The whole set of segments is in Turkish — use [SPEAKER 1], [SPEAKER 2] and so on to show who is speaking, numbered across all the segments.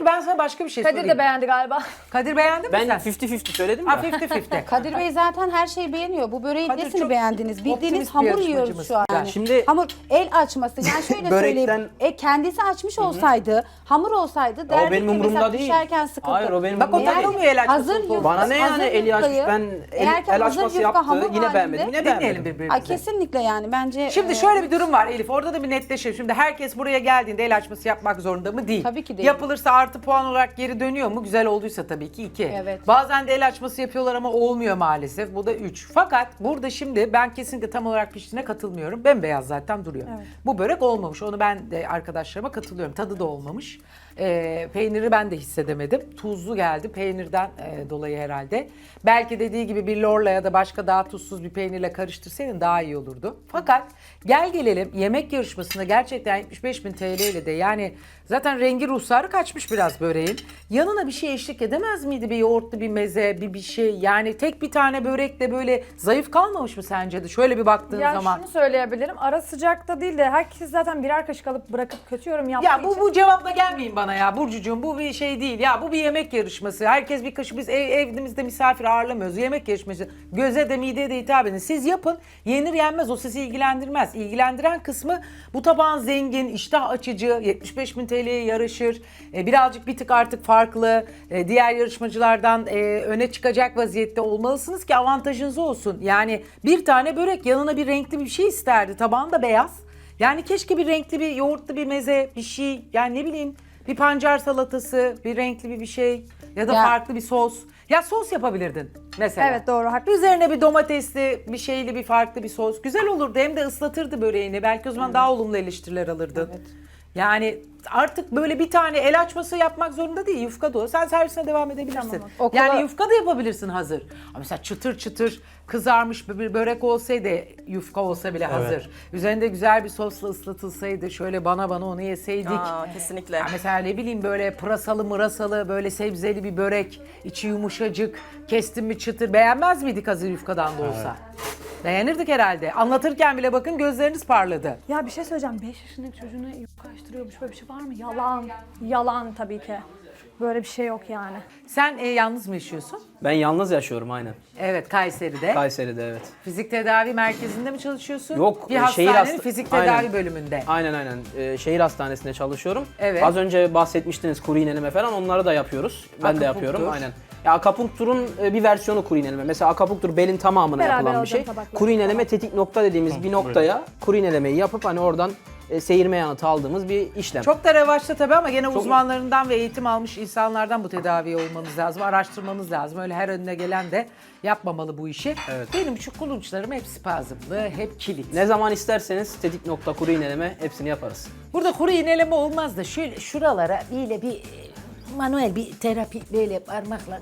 [SPEAKER 1] Peki ben sana başka bir şey
[SPEAKER 2] Kadir
[SPEAKER 1] sorayım.
[SPEAKER 2] de beğendi galiba.
[SPEAKER 1] Kadir beğendin mi
[SPEAKER 3] Ben
[SPEAKER 1] sen?
[SPEAKER 3] 50-50 söyledim
[SPEAKER 1] Ha
[SPEAKER 3] ya.
[SPEAKER 1] 50-50.
[SPEAKER 4] Kadir Bey zaten her şeyi beğeniyor. Bu böreğin
[SPEAKER 1] Kadir
[SPEAKER 4] nesini
[SPEAKER 1] çok
[SPEAKER 4] beğendiniz? Bildiğiniz
[SPEAKER 1] optimist bir
[SPEAKER 4] hamur
[SPEAKER 1] yarışmacımız.
[SPEAKER 4] yiyoruz şu an.
[SPEAKER 1] Yani
[SPEAKER 3] şimdi-
[SPEAKER 4] hamur el açması. Yani şöyle söyleyeyim. Kendisi açmış olsaydı, hamur olsaydı derdik
[SPEAKER 3] benim
[SPEAKER 4] ki
[SPEAKER 3] umurumda
[SPEAKER 4] mesela
[SPEAKER 3] değil.
[SPEAKER 4] pişerken sıkıntı.
[SPEAKER 3] Hayır, o benim
[SPEAKER 1] Bak o
[SPEAKER 3] umurumda
[SPEAKER 4] Eğer
[SPEAKER 1] takılmıyor el açması
[SPEAKER 4] hazır
[SPEAKER 1] olup olmaz.
[SPEAKER 3] Bana ne yani
[SPEAKER 4] hazır
[SPEAKER 3] eli açmış,
[SPEAKER 4] yufkayı-
[SPEAKER 3] ben
[SPEAKER 4] eğer ki
[SPEAKER 3] el
[SPEAKER 4] hazır
[SPEAKER 3] açması
[SPEAKER 4] yufka
[SPEAKER 3] yaptı,
[SPEAKER 4] hamur
[SPEAKER 3] yine
[SPEAKER 4] halinde-
[SPEAKER 3] beğenmedim, yine
[SPEAKER 1] Dinleyelim
[SPEAKER 3] beğenmedim.
[SPEAKER 1] birbirimizi.
[SPEAKER 4] Ay, kesinlikle yani bence.
[SPEAKER 1] Şimdi şöyle bir durum var Elif. Orada da bir netleşelim. Şimdi herkes buraya geldiğinde el açması yapmak zorunda mı? Değil.
[SPEAKER 4] Tabii ki değil.
[SPEAKER 1] Yapılırsa artı puan olarak geri dönüyor mu? Güzel olduysa tabii ki 2.
[SPEAKER 4] Evet.
[SPEAKER 1] Bazen de el açması yapıyorlar ama olmuyor maalesef. Bu da 3. Fakat burada şimdi ben kesinlikle tam olarak piştiğine katılmıyorum. Bembeyaz zaten duruyor. Bu börek olmamış. Onu ben de arkadaşlarıma katılıyorum. Tadı da olmamış. Peyniri ben de hissedemedim. Tuzlu geldi peynirden dolayı herhalde. Belki dediği gibi bir lorla ya da başka daha tuzsuz bir peynirle karıştırsaydın daha iyi olurdu. Fakat gel gelelim yemek yarışmasında gerçekten 75.000 TL ile de yani zaten rengi ruhsarı kaçmış biraz böreğin. Yanına bir şey eşlik edemez miydi? Bir yoğurtlu bir meze, bir şey. Yani tek bir tane börekle böyle zayıf kalmamış mı sence de? Şöyle bir baktığın
[SPEAKER 2] Ya
[SPEAKER 1] zaman.
[SPEAKER 2] şunu söyleyebilirim. Ara sıcakta değil de herkes zaten birer kaşık alıp bırakıp kötü yorum yaptığı
[SPEAKER 1] Ya
[SPEAKER 2] için.
[SPEAKER 1] bu cevapla gelmeyin bana ya Burcucuğum, bu bir şey değil ya, bu bir yemek yarışması. Herkes bir kaşık, biz evimizde misafir ağırlamıyoruz, yemek yarışması. Göze de mideye de hitap edin. Siz yapın, yenir yenmez o sizi ilgilendirmez. İlgilendiren kısmı bu tabağın zengin, iştah açıcı, 75.000 TL'ye yarışır. Birazcık bir tık artık farklı, diğer yarışmacılardan öne çıkacak vaziyette olmalısınız ki avantajınız olsun. Yani bir tane börek yanına bir renkli bir şey isterdi, tabağın da beyaz. Yani keşke bir renkli bir yoğurtlu bir meze, bir şey, yani ne bileyim bir pancar salatası, bir renkli bir şey ya da
[SPEAKER 4] Ya-
[SPEAKER 1] farklı bir sos. Ya sos yapabilirdin mesela.
[SPEAKER 2] Evet, doğru, haklısın.
[SPEAKER 1] Üzerine bir domatesli, bir şeyli, bir farklı bir sos. Güzel olurdu, hem de ıslatırdı böreğini. Belki o zaman daha olumlu eleştiriler alırdın. Yani artık böyle bir tane el açması yapmak zorunda değil. Yufka da o. Sen servisine devam edebilirsin.
[SPEAKER 2] Tamam.
[SPEAKER 4] Okula-
[SPEAKER 1] Yani yufka da yapabilirsin hazır. Ama mesela çıtır çıtır kızarmış bir börek olsaydı, yufka olsa bile hazır. Üzerinde güzel bir sosla ıslatılsaydı, şöyle bana onu yeseydik.
[SPEAKER 5] Kesinlikle.
[SPEAKER 1] Ya mesela ne bileyim böyle pırasalı mırasalı, böyle sebzeli bir börek, içi yumuşacık, kestin mi çıtır, beğenmez miydik hazır yufkadan da olsa? Beğenirdik herhalde. Anlatırken bile bakın gözleriniz parladı.
[SPEAKER 2] Ya bir şey söyleyeceğim. 5 yaşındaki çocuğuna yufka açtırıyormuş. Böyle bir şey var mı? Yalan. Yalan tabii ki. Böyle bir şey yok yani.
[SPEAKER 1] Sen yalnız mı yaşıyorsun?
[SPEAKER 3] Ben yalnız yaşıyorum aynen.
[SPEAKER 1] Evet, Kayseri'de.
[SPEAKER 3] Kayseri'de evet.
[SPEAKER 1] Fizik tedavi merkezinde mi çalışıyorsun?
[SPEAKER 3] Yok,
[SPEAKER 1] Bir
[SPEAKER 3] şehir
[SPEAKER 1] hastanenin
[SPEAKER 3] hasta-
[SPEAKER 1] fizik tedavi
[SPEAKER 3] Aynen.
[SPEAKER 1] bölümünde.
[SPEAKER 3] Aynen. Şehir hastanesinde çalışıyorum.
[SPEAKER 1] Evet.
[SPEAKER 3] Az önce bahsetmiştiniz kuru iğneleme falan, onları da yapıyoruz. Ben de
[SPEAKER 1] Akupunktur.
[SPEAKER 3] yapıyorum aynen. Ya akupunkturun bir versiyonu kuru iğneleme. Mesela akupunktur belin tamamına
[SPEAKER 2] Beraber
[SPEAKER 3] yapılan bir
[SPEAKER 2] alacağım
[SPEAKER 3] şey.
[SPEAKER 2] tabakları.
[SPEAKER 3] Kuru iğneleme tetik nokta dediğimiz bir noktaya kuru iğnelemeyi yapıp hani oradan seyirme yanıtı aldığımız bir işlem.
[SPEAKER 1] Çok da revaçta tabii ama gene uzmanlarından ve eğitim almış insanlardan bu tedaviye olmanız lazım, araştırmanız lazım. Öyle her önüne gelen de yapmamalı bu işi.
[SPEAKER 3] Evet.
[SPEAKER 1] Benim şu kulunçlarım hep spazmlı, hep kilit.
[SPEAKER 3] Ne zaman isterseniz tetik nokta kuru iğneleme hepsini yaparız.
[SPEAKER 1] Burada kuru iğneleme olmaz da şöyle şuralara böyle bir manuel bir terapi böyle parmakla.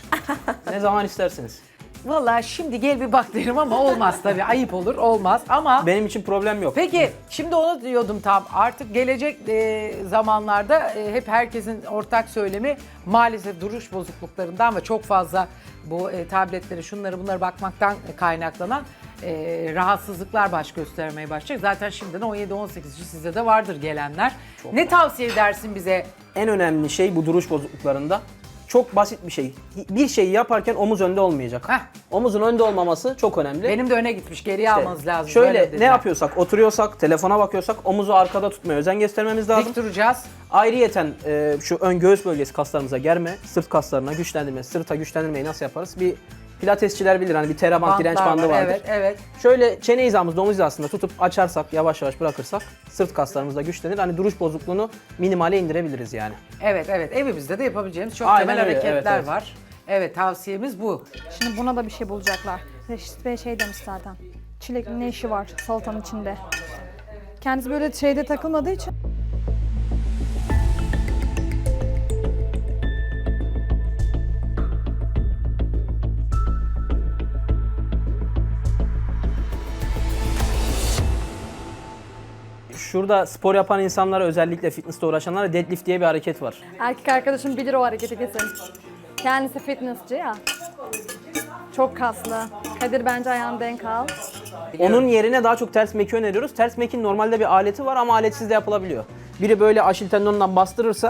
[SPEAKER 3] Ne zaman isterseniz.
[SPEAKER 1] Vallahi şimdi gel bir bak derim ama olmaz tabii, ayıp olur, olmaz ama...
[SPEAKER 3] Benim için problem yok.
[SPEAKER 1] Peki şimdi onu diyordum tam, artık gelecek zamanlarda hep herkesin ortak söylemi maalesef duruş bozukluklarından ve çok fazla bu tabletleri şunları bunları bakmaktan kaynaklanan rahatsızlıklar baş göstermeye başlayacak. Zaten şimdiden 17-18 sizde de vardır gelenler. Ne tavsiye edersin bize?
[SPEAKER 3] En önemli şey bu duruş bozukluklarında çok basit bir şey. Bir şeyi yaparken omuz önde olmayacak.
[SPEAKER 1] Heh.
[SPEAKER 3] Omuzun önde olmaması çok önemli.
[SPEAKER 1] Benim de öne gitmiş, geriye
[SPEAKER 3] İşte
[SPEAKER 1] almanız lazım.
[SPEAKER 3] Şöyle
[SPEAKER 1] böyle
[SPEAKER 3] ne
[SPEAKER 1] dediler.
[SPEAKER 3] yapıyorsak, oturuyorsak, telefona bakıyorsak omuzu arkada tutmaya özen göstermemiz lazım.
[SPEAKER 1] Dik duracağız.
[SPEAKER 3] Ayrıyeten şu ön göğüs bölgesi kaslarımıza germe, sırt kaslarına güçlendirme, sırta güçlendirmeyi nasıl yaparız? Bir pilatesçiler bilir hani bir teraband
[SPEAKER 1] Bantlar
[SPEAKER 3] direnç bandı
[SPEAKER 1] var,
[SPEAKER 3] vardır.
[SPEAKER 1] evet, evet.
[SPEAKER 3] Şöyle çene hizamızda, omuz hizasında tutup açarsak, yavaş yavaş bırakırsak sırt kaslarımız da güçlenir. Hani duruş bozukluğunu minimale indirebiliriz yani.
[SPEAKER 1] Evet, evimizde de yapabileceğimiz çok
[SPEAKER 3] Aynen
[SPEAKER 1] temel
[SPEAKER 3] öyle,
[SPEAKER 1] hareketler
[SPEAKER 3] evet.
[SPEAKER 1] var. Evet, tavsiyemiz bu.
[SPEAKER 2] Şimdi buna da bir şey bulacaklar. Reşit Bey şey demiş zaten. Çilekli ne işi var salatanın içinde? Kendisi böyle şeyde takılmadığı için.
[SPEAKER 3] Şurada spor yapan insanlara, özellikle fitnessle uğraşanlara deadlift diye bir hareket var.
[SPEAKER 2] Erkek arkadaşım bilir o hareketi kesin. Kendisi fitnessçi ya. Çok kaslı. Kadir bence ayağını denk al.
[SPEAKER 3] Onun yerine daha çok ters meki öneriyoruz. Ters mekin normalde bir aleti var ama aletsiz de yapılabiliyor. Biri böyle aşil tendonundan bastırırsa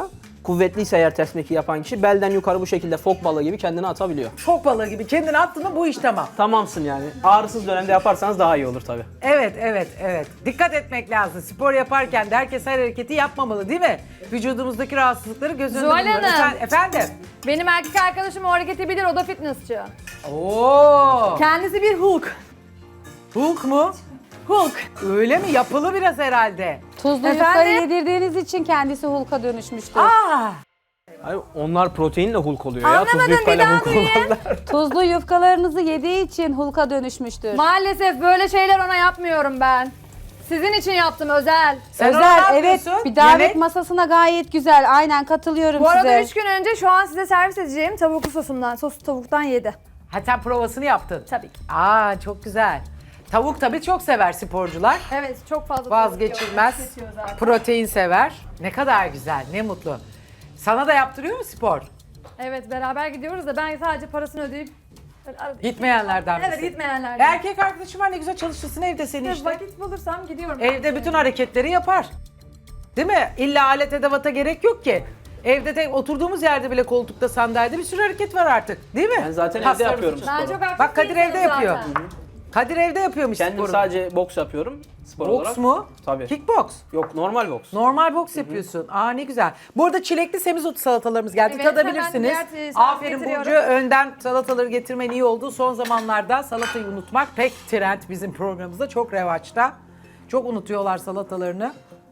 [SPEAKER 3] kuvvetliyse eğer ters mekik yapan kişi belden yukarı bu şekilde fok balığı gibi kendini atabiliyor.
[SPEAKER 1] Fok balığı gibi kendini attın mı bu iş tamam.
[SPEAKER 3] Tamamsın yani. Ağrısız dönemde yaparsanız daha iyi olur tabii.
[SPEAKER 1] Evet. Dikkat etmek lazım. Spor yaparken de herkes her hareketi yapmamalı değil mi? Vücudumuzdaki rahatsızlıkları göz önünde
[SPEAKER 2] Zuhal
[SPEAKER 1] bulundurun.
[SPEAKER 2] Hanım.
[SPEAKER 1] Efendim?
[SPEAKER 2] Benim erkek arkadaşım o hareketi bilir, o da fitnessçi.
[SPEAKER 1] Oo.
[SPEAKER 2] Kendisi bir Hulk.
[SPEAKER 1] Hulk mu?
[SPEAKER 2] Hulk.
[SPEAKER 1] Öyle mi? Yapılı biraz herhalde.
[SPEAKER 4] Tuzlu
[SPEAKER 2] Efendim?
[SPEAKER 4] yufkayı yedirdiğiniz için kendisi Hulk'a dönüşmüştür.
[SPEAKER 1] Aa!
[SPEAKER 3] Hayır, onlar proteinle Hulk oluyor ya.
[SPEAKER 2] Anlamadım,
[SPEAKER 3] Tuzlu yufkayla
[SPEAKER 2] bir daha
[SPEAKER 3] Hulk olmazlar.
[SPEAKER 4] Tuzlu yufkalarınızı yediği için Hulk'a dönüşmüştür.
[SPEAKER 2] Maalesef böyle şeyler ona yapmıyorum ben. Sizin için yaptım özel.
[SPEAKER 1] Sen ona
[SPEAKER 4] Özel,
[SPEAKER 1] ne
[SPEAKER 4] evet.
[SPEAKER 1] yapıyorsun?
[SPEAKER 4] Bir davet
[SPEAKER 1] Yemek?
[SPEAKER 4] masasına gayet güzel. Aynen katılıyorum
[SPEAKER 2] Bu arada
[SPEAKER 4] size.
[SPEAKER 2] 3 gün önce şu an size servis edeceğim tavuklu sosumdan, soslu tavuktan yedi.
[SPEAKER 1] Ha sen provasını yaptın.
[SPEAKER 2] Tabii ki.
[SPEAKER 1] Aa çok güzel. Tavuk tabii çok sever sporcular.
[SPEAKER 2] Evet, çok fazla
[SPEAKER 1] Vazgeçilmez.
[SPEAKER 2] tavuk yiyor, zaten.
[SPEAKER 1] Protein sever. Ne kadar güzel, ne mutlu. Sana da yaptırıyor mu spor?
[SPEAKER 2] Evet, beraber gidiyoruz da ben sadece parasını ödeyip böyle arada-
[SPEAKER 1] Gitmeyenlerden
[SPEAKER 2] Evet,
[SPEAKER 1] misin?
[SPEAKER 2] gitmeyenlerden.
[SPEAKER 1] Erkek arkadaşım var ne güzel çalışırsın evde seni
[SPEAKER 2] Evet,
[SPEAKER 1] işte.
[SPEAKER 2] vakit bulursam gidiyorum.
[SPEAKER 1] Evde bütün hareketleri yapar. Değil mi? İlla alet edevata gerek yok ki. Evde de oturduğumuz yerde bile koltukta sandalyede bir sürü hareket var artık. Değil mi?
[SPEAKER 3] Ben zaten evde
[SPEAKER 1] Kaslarımızı
[SPEAKER 3] yapıyorum
[SPEAKER 1] tutun.
[SPEAKER 2] Ben çok aktif
[SPEAKER 1] Bak Kadir
[SPEAKER 2] bir insanım
[SPEAKER 1] evde yapıyor.
[SPEAKER 2] zaten.
[SPEAKER 1] Kadir evde yapıyormuş
[SPEAKER 3] Kendim
[SPEAKER 1] sporunu.
[SPEAKER 3] sadece boks yapıyorum spor olarak.
[SPEAKER 1] Boks mu?
[SPEAKER 3] Tabii.
[SPEAKER 1] Kickbox.
[SPEAKER 3] Yok, normal boks.
[SPEAKER 1] Normal boks yapıyorsun. Aa ne güzel. Bu arada çilekli semizotu salatalarımız geldi.
[SPEAKER 2] Evet,
[SPEAKER 1] Tadabilirsiniz.
[SPEAKER 2] hemen diğer salata
[SPEAKER 1] Aferin
[SPEAKER 2] getiriyorum.
[SPEAKER 1] Burcu. Önden salataları getirmen iyi oldu. Son zamanlarda salatayı unutmak pek trend bizim programımızda. Çok revaçta. Çok unutuyorlar salatalarını.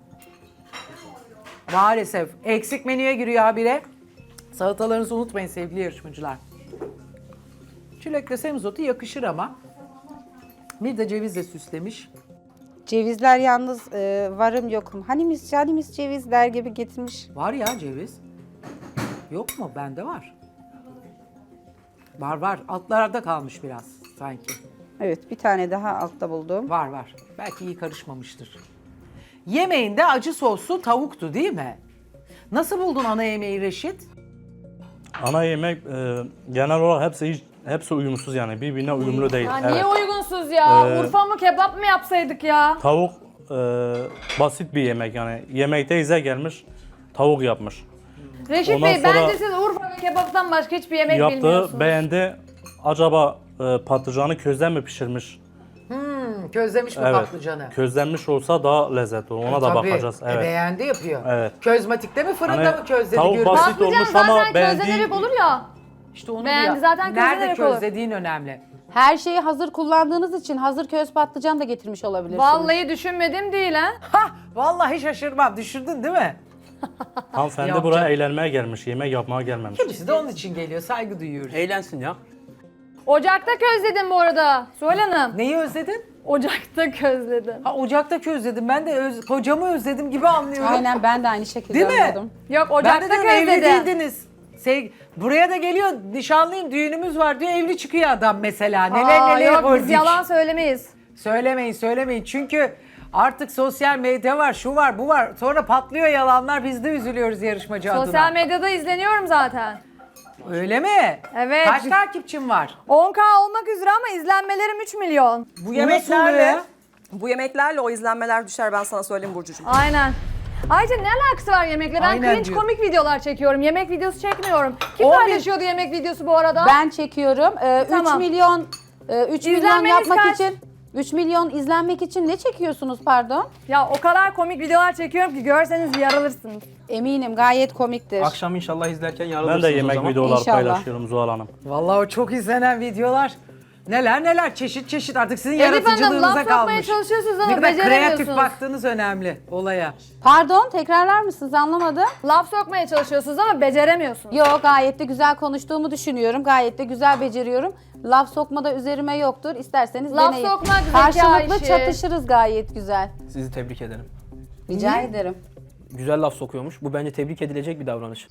[SPEAKER 1] Maalesef. Eksik menüye giriyor habire. Salatalarınızı unutmayın sevgili yarışmacılar. Çilekle semizotu yakışır ama. Bir de cevizle süslemiş.
[SPEAKER 4] Cevizler yalnız varım yokum. Hanimiş cevizler gibi getirmiş.
[SPEAKER 1] Var ya ceviz. Yok mu? Bende var. Var. Altlarda kalmış biraz sanki.
[SPEAKER 4] Evet, bir tane daha altta buldum.
[SPEAKER 1] Var. Belki iyi karışmamıştır. Yemeğinde acı soslu tavuktu değil mi? Nasıl buldun ana yemeği Reşit?
[SPEAKER 5] Ana yemek genel olarak hepsi uyumsuz yani birbirine uyumlu değil.
[SPEAKER 2] Ya
[SPEAKER 5] Evet.
[SPEAKER 2] niye uygunsuz ya? Urfa mı kebap mı yapsaydık ya?
[SPEAKER 5] Tavuk basit bir yemek yani yemekte gelmiş tavuk yapmış.
[SPEAKER 2] Reşit
[SPEAKER 5] Ondan
[SPEAKER 2] Bey,
[SPEAKER 5] sonra
[SPEAKER 2] bence siz Urfa ve kebaptan başka hiçbir yemek
[SPEAKER 5] Yaptığı
[SPEAKER 2] bilmiyorsunuz.
[SPEAKER 5] beğendi. Acaba patlıcanı közden mi pişirmiş?
[SPEAKER 1] Közlemiş mi
[SPEAKER 5] Evet.
[SPEAKER 1] patlıcanı?
[SPEAKER 5] Közlenmiş olsa daha lezzetli olur. Ona da
[SPEAKER 1] Tabii.
[SPEAKER 5] bakacağız. Evet.
[SPEAKER 1] Beğendi yapıyor.
[SPEAKER 5] Evet.
[SPEAKER 1] Közmatikte mi fırında
[SPEAKER 5] Hani
[SPEAKER 1] mı közledi?
[SPEAKER 5] tavuk
[SPEAKER 1] görüyoruz?
[SPEAKER 5] basit
[SPEAKER 2] Patlıcan
[SPEAKER 5] olmuş ama
[SPEAKER 2] zaten
[SPEAKER 5] beğendiği-
[SPEAKER 2] közlenerek olur ya.
[SPEAKER 1] İşte onu
[SPEAKER 2] Beğendi,
[SPEAKER 1] diyor.
[SPEAKER 2] zaten
[SPEAKER 1] Nerede
[SPEAKER 2] közlenerek olur.
[SPEAKER 1] közlediğin önemli.
[SPEAKER 4] Her şeyi hazır kullandığınız için hazır köz patlıcan da getirmiş olabilirsiniz.
[SPEAKER 2] Vallahi düşünmedim değil ha.
[SPEAKER 1] Hah! Vallahi şaşırmam. Düşürdün değil mi?
[SPEAKER 5] Hanımefendi
[SPEAKER 1] Yapacak.
[SPEAKER 5] buraya eğlenmeye gelmiş, yemek yapmaya gelmemiş.
[SPEAKER 1] Kimisi de onun için geliyor. Saygı duyuyoruz.
[SPEAKER 3] Eğlensin ya.
[SPEAKER 2] Ocakta közledim bu arada. Suhal Hanım.
[SPEAKER 1] Neyi özledin?
[SPEAKER 2] Ocakta közledim.
[SPEAKER 1] Ha ocakta közledim. Ben de kocamı özledim gibi anlıyorum.
[SPEAKER 4] Aynen, ben de aynı şekilde
[SPEAKER 1] Değil mi?
[SPEAKER 4] anladım.
[SPEAKER 2] Yok,
[SPEAKER 1] Ben
[SPEAKER 2] ocakta
[SPEAKER 1] de diyorum evli
[SPEAKER 2] közledim.
[SPEAKER 1] değildiniz. Buraya da geliyor, nişanlıyım, düğünümüz var diyor, evli çıkıyor adam mesela. Neler
[SPEAKER 2] Aa,
[SPEAKER 1] neler
[SPEAKER 2] yok, biz
[SPEAKER 1] gördük.
[SPEAKER 2] yalan söylemeyiz.
[SPEAKER 1] Söylemeyin. Çünkü artık sosyal medya var, şu var, bu var. Sonra patlıyor yalanlar, biz de üzülüyoruz yarışmacı adına.
[SPEAKER 2] Sosyal medyada izleniyorum zaten.
[SPEAKER 1] Öyle mi?
[SPEAKER 2] Evet.
[SPEAKER 1] Kaç takipçin var?
[SPEAKER 2] 10K olmak üzere ama izlenmelerim 3 milyon.
[SPEAKER 6] Bu
[SPEAKER 1] Bu nasıl oluyor
[SPEAKER 6] yemeklerle
[SPEAKER 1] ya?
[SPEAKER 6] bu yemeklerle o izlenmeler düşer, ben sana söyleyeyim Burcucuğum.
[SPEAKER 2] Aynen. Ayrıca ne alakası var yemekle? Ben
[SPEAKER 1] Aynen
[SPEAKER 2] cringe
[SPEAKER 1] diyor.
[SPEAKER 2] komik videolar çekiyorum. Yemek videosu çekmiyorum. Kim
[SPEAKER 1] 10 bin-
[SPEAKER 2] paylaşıyordu yemek videosu bu arada?
[SPEAKER 4] Ben çekiyorum. 3
[SPEAKER 2] Tamam.
[SPEAKER 4] milyon 3 milyon
[SPEAKER 2] İzlenmeniz
[SPEAKER 4] yapmak
[SPEAKER 2] kaç?
[SPEAKER 4] için 3 milyon izlenmek için ne çekiyorsunuz pardon?
[SPEAKER 2] Ya o kadar komik videolar çekiyorum ki görseniz yarılırsınız.
[SPEAKER 4] Eminim gayet komiktir.
[SPEAKER 3] Akşam inşallah izlerken yarılırsınız
[SPEAKER 5] Ben de
[SPEAKER 3] o
[SPEAKER 5] yemek
[SPEAKER 3] zaman.
[SPEAKER 5] videoları
[SPEAKER 4] İnşallah.
[SPEAKER 5] paylaşıyorum Zuhal Hanım.
[SPEAKER 1] Vallahi o çok izlenen videolar. Neler çeşit artık sizin
[SPEAKER 2] Elif Hanım,
[SPEAKER 1] yaratıcılığınıza
[SPEAKER 2] laf sokmaya
[SPEAKER 1] kalmış.
[SPEAKER 2] çalışıyorsunuz
[SPEAKER 1] Ne
[SPEAKER 2] ama
[SPEAKER 1] kadar kreatif
[SPEAKER 2] beceremiyorsunuz.
[SPEAKER 1] baktığınız önemli olaya.
[SPEAKER 4] Pardon, tekrarlar mısınız, anlamadım.
[SPEAKER 2] Laf sokmaya çalışıyorsunuz ama beceremiyorsunuz.
[SPEAKER 4] Yok, gayet de güzel konuştuğumu düşünüyorum. Gayet de güzel beceriyorum. Laf sokma da üzerime yoktur. İsterseniz
[SPEAKER 2] Laf
[SPEAKER 4] deneyin.
[SPEAKER 2] sokmak zeka
[SPEAKER 4] Karşılıklı
[SPEAKER 2] işi.
[SPEAKER 4] çatışırız gayet güzel.
[SPEAKER 3] Sizi tebrik ederim.
[SPEAKER 4] Rica ederim.
[SPEAKER 3] Güzel laf sokuyormuş. Bu bence tebrik edilecek bir davranış.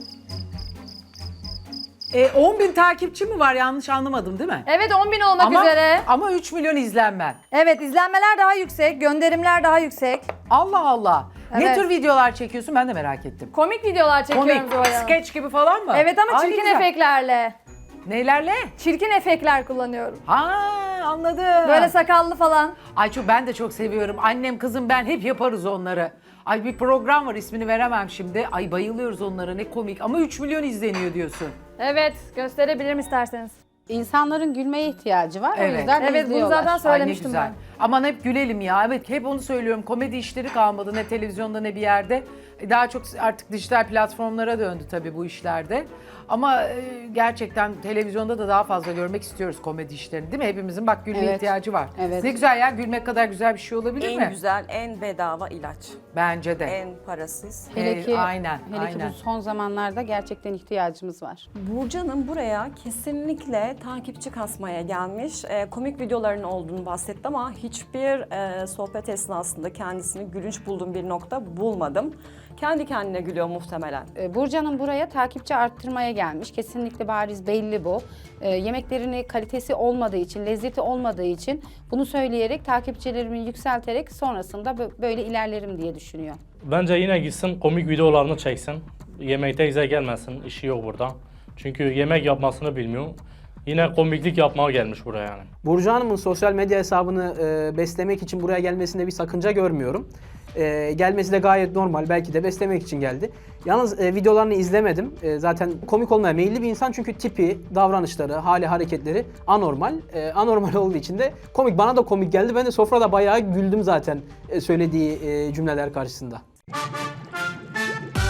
[SPEAKER 1] 10.000 takipçi mi var, yanlış anlamadım değil mi?
[SPEAKER 2] Evet, 10.000 olmak üzere.
[SPEAKER 1] Ama 3 milyon izlenmen.
[SPEAKER 2] Evet, izlenmeler daha yüksek, gönderimler daha yüksek.
[SPEAKER 1] Allah Allah. Ne
[SPEAKER 2] Evet.
[SPEAKER 1] tür videolar çekiyorsun ben de merak ettim.
[SPEAKER 2] Komik videolar çekiyorum
[SPEAKER 1] Komik,
[SPEAKER 2] Zuhal Hanım.
[SPEAKER 1] skeç gibi falan mı?
[SPEAKER 2] Evet ama
[SPEAKER 1] Ay,
[SPEAKER 2] çirkin
[SPEAKER 1] güzel.
[SPEAKER 2] efektlerle.
[SPEAKER 1] Neylerle?
[SPEAKER 2] Çirkin efektler kullanıyorum.
[SPEAKER 1] Ha anladım.
[SPEAKER 2] Böyle sakallı falan.
[SPEAKER 1] Ay ben de çok seviyorum. Annem kızım ben hep yaparız onları. Ay bir program var, ismini veremem şimdi. Ay bayılıyoruz onlara, ne komik ama 3 milyon izleniyor diyorsun.
[SPEAKER 2] Evet, gösterebilirim isterseniz.
[SPEAKER 4] İnsanların gülmeye ihtiyacı var. O
[SPEAKER 1] Evet.
[SPEAKER 4] yüzden
[SPEAKER 2] Evet, bunu
[SPEAKER 4] izliyorlar.
[SPEAKER 2] zaten
[SPEAKER 1] Ay ne
[SPEAKER 2] söylemiştim
[SPEAKER 1] güzel.
[SPEAKER 2] ben.
[SPEAKER 1] Aman hep gülelim ya. Evet, hep onu söylüyorum. Komedi işleri kalmadı ne televizyonda ne bir yerde. Daha çok artık dijital platformlara döndü tabii bu işlerde. Ama gerçekten televizyonda da daha fazla görmek istiyoruz komedi işlerini, değil mi? Hepimizin bak gülme
[SPEAKER 4] Evet.
[SPEAKER 1] ihtiyacı var.
[SPEAKER 4] Evet.
[SPEAKER 1] Ne güzel ya, gülmek kadar güzel bir şey olabilir mi?
[SPEAKER 6] En güzel, en bedava ilaç.
[SPEAKER 1] Bence de.
[SPEAKER 6] En parasız.
[SPEAKER 4] Hele ki,
[SPEAKER 1] Aynen,
[SPEAKER 4] hele ki
[SPEAKER 1] aynen.
[SPEAKER 4] bu son zamanlarda gerçekten ihtiyacımız var.
[SPEAKER 6] Burcu Hanım buraya kesinlikle takipçi kasmaya gelmiş. Komik videoların olduğunu bahsetti ama hiçbir sohbet esnasında kendisini gülünç bulduğum bir nokta bulmadım. Kendi kendine gülüyor muhtemelen.
[SPEAKER 4] Burcu Hanım buraya takipçi arttırmaya gelmiş. Kesinlikle bariz belli bu. Yemeklerini kalitesi olmadığı için, lezzeti olmadığı için bunu söyleyerek, takipçilerimi yükselterek sonrasında böyle ilerlerim diye düşünüyor.
[SPEAKER 5] Bence yine gitsin komik videolarını çeksin. Yemekte güzel gelmesin, işi yok burada. Çünkü yemek yapmasını bilmiyor. Yine komiklik yapmaya gelmiş buraya yani.
[SPEAKER 3] Burcu Hanım'ın sosyal medya hesabını beslemek için buraya gelmesinde bir sakınca görmüyorum. Gelmesi de gayet normal. Belki de beslemek için geldi. Yalnız videolarını izlemedim. Zaten komik olmaya meyilli bir insan çünkü tipi, davranışları, hali, hareketleri anormal. Anormal olduğu için de komik. Bana da komik geldi. Ben de sofrada bayağı güldüm zaten söylediği cümleler karşısında.